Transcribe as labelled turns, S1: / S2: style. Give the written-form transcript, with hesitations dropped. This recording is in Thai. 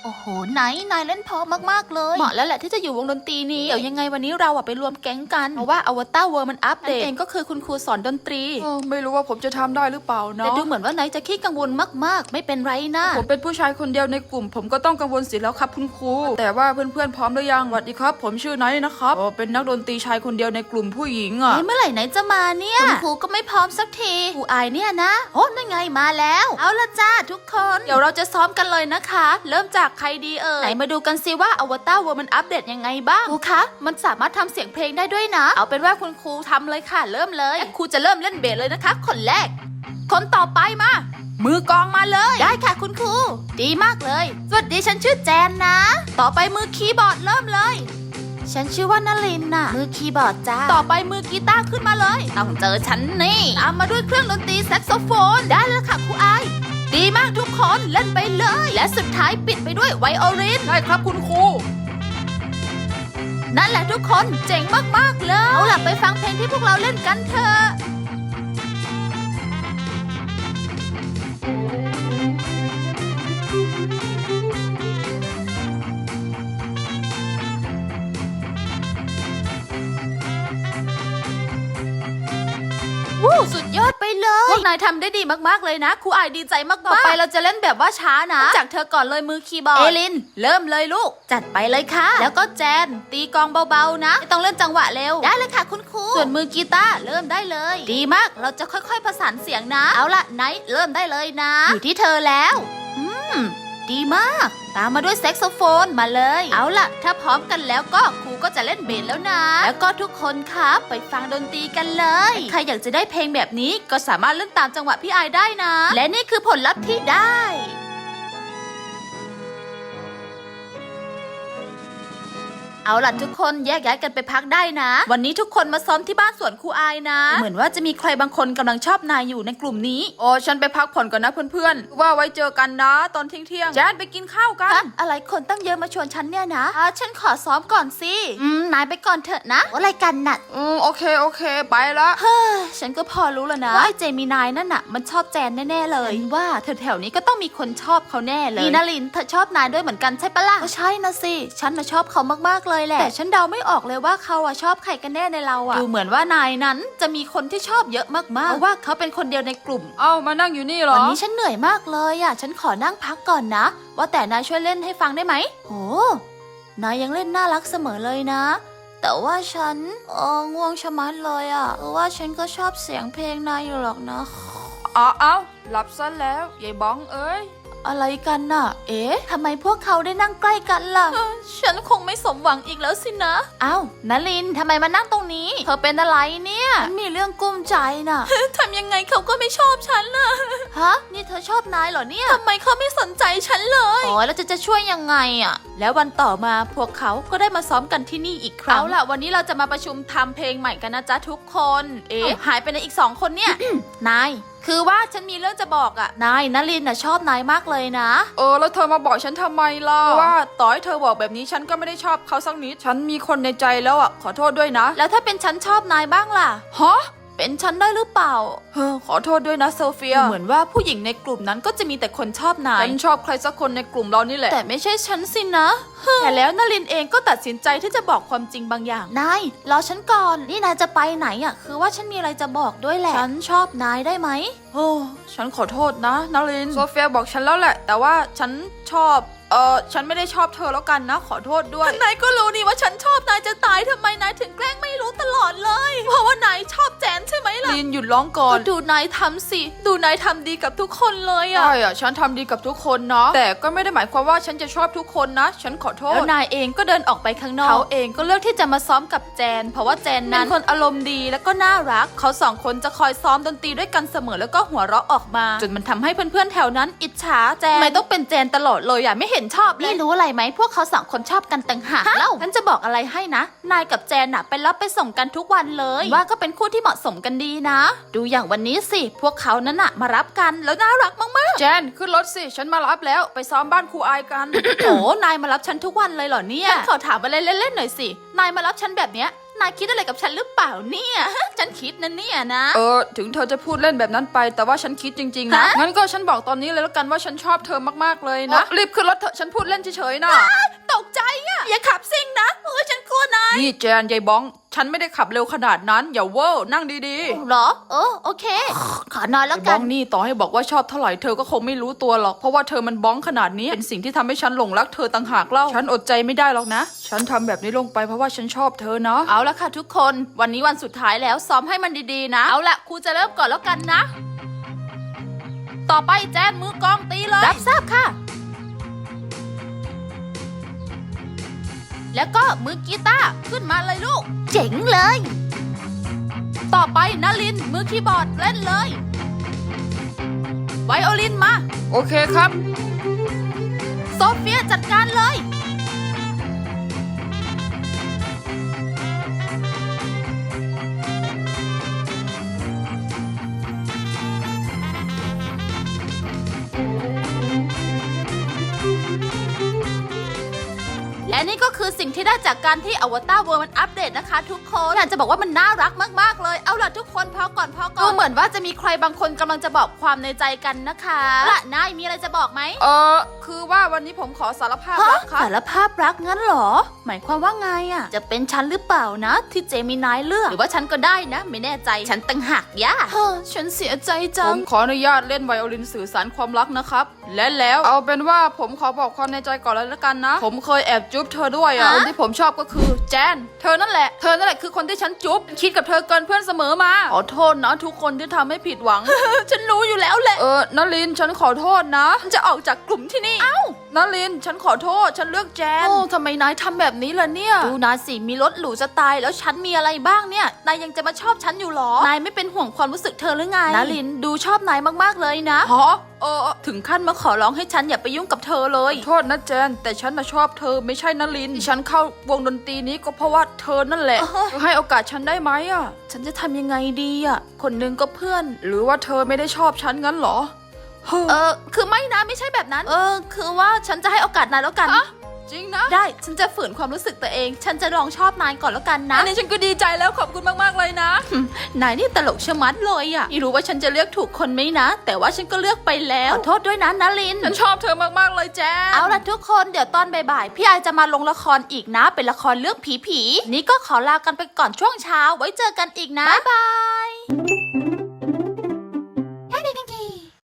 S1: โอ้โหนายเล่นเพอมากๆเลยเหมาะแล้วแหละที่จะอยู่วงดนตรีนี้เดี๋ยวยังไงวันนี้เราไปรวมแก๊งกันเพราะว่าอวตารเวิร์มันอัปเดตเองก็คือคุณครูสอนดนตรี
S2: ไม่รู้ว่าผมจะทำได้หรือเปล่าเนาะ
S1: แต่ดูเหมือนว่านายจะขี้กังวลมากๆไม่เป็นไรนะ
S2: ผมเป็นผู้ชายคนเดียวในกลุ่มผมก็ต้องกังวลสิแล้วครับคุณครูแต่ว่าเพื่อนๆพร้อมหรือยังสวัสดีครับผมชื่อไนท์นะครับเป็นนักดนตรีชายคนเดียวในกลุ่มผู้หญิงอ่ะ
S1: เมื่อไหร่ไหนจะมาเนี่ยคุณครูก็ไม่พร้อมสักทีครูอายเนี่ยนะโอ้นั่นไงมาแล้วเอาละจ้าทุกคนเดี๋ยวเราจะซ้อมกันเลยนะคะเริ่มจากใครดีไหนมาดูกันซิว่าอวตารเวิร์มันอัปเดตยังไงบ้างครูคะมันสามารถทำเสียงเพลงได้ด้วยนะเอาเป็นว่าคุณครูทำเลยค่ะเริ่มเลยครูจะเริ่มเล่นเบสเลยนะคะคนแรกคนต่อไปมามือกลองมาเลยได้ค่ะคุณครูดีมากเลยสวัสดีฉันชื่อแจนนะต่อไปมือคีย์บอร์ดเริ่มเลยฉันชื่อว่านลินน่ะมือคีย์บอร์ดจ้าต่อไปมือกีตาร์ขึ้นมาเลยต้องเจอฉันนี่ตามมาด้วยเครื่องดนตรีแซกโซโฟนได้แล้วค่ะครูอายดีมากทุกคนเล่นไปเลยและสุดท้ายปิดไปด้วยไวโอลิน
S2: ได้ครับคุณครู
S1: นั่นแหละทุกคนเจ๋งมากๆเลยเอาล่ะไปฟังเพลงที่พวกเราเล่นกันเถอะวู้สุดยอดไปเลยพวกนายทำได้ดีมากๆเลยนะครูอายดีใจมากๆต่อไปเราจะเล่นแบบว่าช้านะจากเธอก่อนเลยมือคีย์บอร์ดเอลินเริ่มเลยลูกจัดไปเลยค่ะแล้วก็แจนตีกลองเบาๆนะไม่ต้องเล่นจังหวะเร็วได้เลยค่ะคุณครูส่วนมือกีตาร์เริ่มได้เลยดีมากเราจะค่อยๆผสานเสียงนะเอาล่ะไนท์เริ่มได้เลยนะอยู่ที่เธอแล้วดีมากตามมาด้วยแซกโซโฟนมาเลยเอาล่ะถ้าพร้อมกันแล้วก็ครูก็จะเล่นเบสแล้วนะแล้วก็ทุกคนครับไปฟังดนตรีกันเลยใครอยากจะได้เพลงแบบนี้ก็สามารถเล่นตามจังหวะพี่ไอได้นะและนี่คือผลลัพธ์ที่ได้เอาล่ะทุกคนแยกย้ายกันไปพักได้นะวันนี้ทุกคนมาซ้อมที่บ้านสวนครูอายนะเหมือนว่าจะมีใครบางคนกำลังชอบนายอยู่ในกลุ่มนี้
S2: โอ้ฉันไปพักผ่อนก่อนนะเพื่อนๆว่าไว้เจอกันนะตอนเที่ยงๆแจนไปกินข้าวกัน
S1: อะไรคนตั้งเยอะมาชวนฉันเนี่ยนะฉันขอซ้อมก่อนสินายไปก่อนเถอะนะอะไรกันน่ะ
S2: โอเคไปละ
S1: เฮ้ยฉันก็พอรู้แล้วนะว่าไอ้เจมินายนั่นน่ะมันชอบแจนแน่ๆเลยว่าแถวๆนี้ก็ต้องมีคนชอบเขาแน่เลยนี่นารินเธอชอบนายด้วยเหมือนกันใช่ปะล่ะก็ใช่นะสิฉันน่ะชอบเขามากๆเลยแหละแต่ฉันเดาไม่ออกเลยว่าเขาชอบใครกันแน่ในเราดูเหมือนว่านายนั้นจะมีคนที่ชอบเยอะมากๆเพราะว่าเขาเป็นคนเดียวในกลุ่ม
S2: มานั่งอยู่นี่เหรอ
S1: วันนี้ฉันเหนื่อยมากเลยฉันขอนั่งพักก่อนนะว่าแต่นายช่วยเล่นให้ฟังได้ไหมโหนายยังเล่นน่ารักเสมอเลยนะแต่ว่าฉันง่วงชะมัดเลยเพราะว่าฉันก็ชอบเสียงเพลงนายอยู่หรอกนะ
S2: หลับซะแล้วยายบ้องเอ้ย
S1: อะไรกันน่ะทำไมพวกเขาได้นั่งใกล้กันล่ะฉันคงไม่สมหวังอีกแล้วสินะนลินทำไมมานั่งตรงนี้เธอเป็นอะไรเนี่ยมีเรื่องกุ้มใจน่ะ ทำยังไงเขาก็ไม่ชอบฉันล่ะนี่เธอชอบนายเหรอเนี่ยทำไมเขาไม่สนใจฉันเลยแล้วจะช่วยยังไงแล้ววันต่อมาพวกเขาก็ได้มาซ้อมกันที่นี่อีกครั้งเอาล่ะวันนี้เราจะมาประชุมทำเพลงใหม่กันนะจ๊ะทุกคนหายไปในอีก2 คนเนี่ย นายคือว่าฉันมีเรื่องจะบอกนายนลินชอบนายมากเลยนะ
S2: แล้วเธอมาบอกฉันทำไมล่ะว่าต่อให้เธอบอกแบบนี้ฉันก็ไม่ได้ชอบเขาสักนิดฉันมีคนในใจแล้วขอโทษด้วยนะ
S1: แล้วถ้าเป็นฉันชอบนายบ้างล่ะเป็นฉันได้หรือเปล่า
S2: ขอโทษด้วยนะโซเฟีย
S1: เหมือนว่าผู้หญิงในกลุ่มนั้นก็จะมีแต่คนชอบนาย
S2: ฉันชอบใครสักคนในกลุ่มเรานี่แหละ
S1: แต่ไม่ใช่ฉันสินะแต่แล้วนลินเองก็ตัดสินใจที่จะบอกความจริงบางอย่างนายรอฉันก่อนนี่นายจะไปไหนคือว่าฉันมีอะไรจะบอกด้วยแหละฉันชอบนายได้ไหม
S2: ฉันขอโทษนะนลินโซเฟียบอกฉันแล้วแหละแต่ว่าฉันชอบฉันไม่ได้ชอบเธอแล้วกันนะขอโทษด้วย
S1: นายก็รู้นี่ว่าฉันชอบนายจะตายทำไมนายถึงแกล้งไม่รู้ตลอดเลยเพราะว่านายชอบแจนใช่ไหมล่ะ
S2: ลินหยุดร้องก่อน
S1: ก็ดูนายทำสิดูนายทำดีกับทุกคนเลย
S2: ใช่ฉันทำดีกับทุกคนนะแต่ก็ไม่ได้หมายความว่าฉันจะชอบทุกคนนะฉันขอโทษ
S1: แล้วนายเองก็เดินออกไปข้างนอกเขาเองก็เลือกที่จะมาซ้อมกับแจนเพราะว่าแจนนั้นเป็นคนอารมณ์ดีแล้วก็น่ารักเขา2 คนจะคอยซ้อมดนตรีด้วยกันเสมอแล้วก็หัวเราะออกมาจนมันทำให้เพื่อนๆแถวนั้นอิจฉาแจนไม่ต้องเป็นแจนตลอดเลยไม่เห็นชอบเลยนี่รู้อะไรไหมพวกเขา2 คนชอบกันต่างหากเล่าฉันจะบอกอะไรให้นะนายกับแจนไปรับไปส่งกันทุกวันเลยว่าก็เป็นคู่ที่เหมาะสมกันดีนะดูอย่างวันนี้สิพวกเขานั้นมารับกันแล้วน่ารักมาก
S2: ๆแจนขึ้นรถสิฉันมารับแล้วไปซ้อมบ้านครูอายกัน
S1: โอ้นายมารับฉันทุกวันเลยเหรอเนี่ยฉันขอถามอะไรเล่นๆหน่อยสินายมารับฉันแบบเนี้ยนายคิดอะไรกับฉันหรือเปล่าเนี่ย ฉันคิดนะเนี่ยนะ
S2: ถึงเธอจะพูดเล่นแบบนั้นไปแต่ว่าฉันคิดจริงๆนะ
S1: ฮะ
S2: งั้นก็ฉันบอกตอนนี้เลยแล้วกันว่าฉันชอบเธอมากๆเลยนะรีบขึ้นรถเถอะฉันพูดเล่นเฉยๆนะ
S1: ตกใจอะอย่าขับซิ่งนะโอ้ยฉันกลัวนาย
S2: นี่แจนยายบ้องฉันไม่ได้ขับเร็วขนาดนั้นอย่าเวอร์นั่งดี
S1: เหรอโอเค ขอนอน
S2: ๆ
S1: แล้ว
S2: ไอ้
S1: กั
S2: บ้อน งนี่ต่อให้บอกว่าชอบเท่าไหร่เธอก็คงไม่รู้ตัวหรอกเพราะว่าเธอมันบ้องขนาดนี้เป็นสิ่งที่ทำให้ฉันหลงรักเธอต่างหากเล่าฉันอดใจไม่ได้หรอกนะฉันทำแบบนี้ลงไปเพราะว่าฉันชอบเธอเนาะ
S1: เอาละค่ะทุกคนวันนี้วันสุดท้ายแล้วซ้อมให้มันดีๆนะเอาละครูจะเริ่มก่อนแล้วกันนะ ต่อไปแจนมือกลองตีเลยรับทราบค่ะ แล้วก็มือกีตาร์ขึ้นมาเลยลูก เจ๋งเลย ต่อไปนลินมือคีย์บอร์ดเล่นเลยไวโอลินมา
S2: โอเคครับ
S1: โซเฟียจัดการเลย และนี่ก็คือสิ่งที่ได้จากการที่อวตารเวิร์มันอัปเดตนะคะทุกคนอยากจะบอกว่ามันน่ารักมากๆเลยเอาล่ะทุกคนพอก่อนดูเหมือนว่าจะมีใครบางคนกำลังจะบอกความในใจกันนะคะละนายมีอะไรจะบอกไหม
S2: คือว่าวันนี้ผมขอสารภาพรักครับ
S1: สารภาพรักงั้นเหรอ หมายความว่าไงอ่ะจะเป็นฉันหรือเปล่านะ ที่เจมินายเลือกหรือว่าฉันก็ได้นะ ไม่แน่ใจฉันตั้งหักย่าฉันเสียใจจั
S2: ผ
S1: ง
S2: มขออนุญาตเล่นไวโอลินสื่อสารความรักนะครับและแล้วเอาเป็นว่าผมขอบอกความในใจก่อนเลยละกันนะผมเคยแอบจุ๊บเธอด้วยอ่ะคนที่ผมชอบก็คือแจนเธอนั่นแหละคือคนที่ฉันจุ๊บคิดกับเธอเกินเพื่อนเสมอมาขอโทษนะทุกคนที่ทำให้ผิดหวัง
S1: ฉันรู้อยู่แล้วแหละ
S2: นลินฉันขอโทษนะฉันจะออกจากกลุ่มที่นี่นลินฉันขอโทษฉันเลือกแจน
S1: โอ้ทำไมนายทำแบบนี้ล่ะเนี่ยดูนายสิมีรถหรูจะตายแล้วฉันมีอะไรบ้างเนี่ยนายยังจะมาชอบฉันอยู่หรอนายไม่เป็นห่วงความรู้สึกเธอหรือไงนาลินดูชอบนายมากๆเลยนะ
S2: ฮะ
S1: ถึงขั้นมาขอร้องให้ฉันอย่าไปยุ่งกับเธอเลย
S2: โทษนะแจนแต่ฉันน่ะชอบเธอไม่ใช่นลินที่ฉันเข้าวงดนตรีนี้ก็เพราะว่าเธอนั่นแหละเธอให้โอกาสฉันได้ไหมอ่ะ
S1: ฉันจะทำยังไงดีอ่ะคนหนึงก็เพื่อน
S2: หรือว่าเธอไม่ได้ชอบฉันงั้นเหรอ
S1: คือไม่นะไม่ใช่แบบนั้น คือว่าฉันจะให้โอกาสนายแล้วกัน
S2: จริงนะ
S1: ได้ฉันจะฝืนความรู้สึกตัวเอง ฉันจะลองชอบนายก่อนแล้วกันนะ
S2: อันนี้ฉันก็ดีใจแล้วขอบคุณมากๆเลยนะ
S1: นายนี่ตลกชะมัดเลยอ่ะไม่รู้ว่าฉันจะเลือกถูกคนไหมนะ แต่ว่าฉันก็เลือกไปแล้วขอโทษด้วยนะนาลิน
S2: ฉันชอบเธอมากๆเลยแจน
S1: เอาล่ะทุกคนเดี๋ยวตอนบ่ายๆพี่ไอจะมาลงละครอีกนะ เป็นละครเรื่องผีๆนี่ก็ขอลากันไปก่อนช่วงเช้าไว้เจอกันอีกนะบ๊ายบาย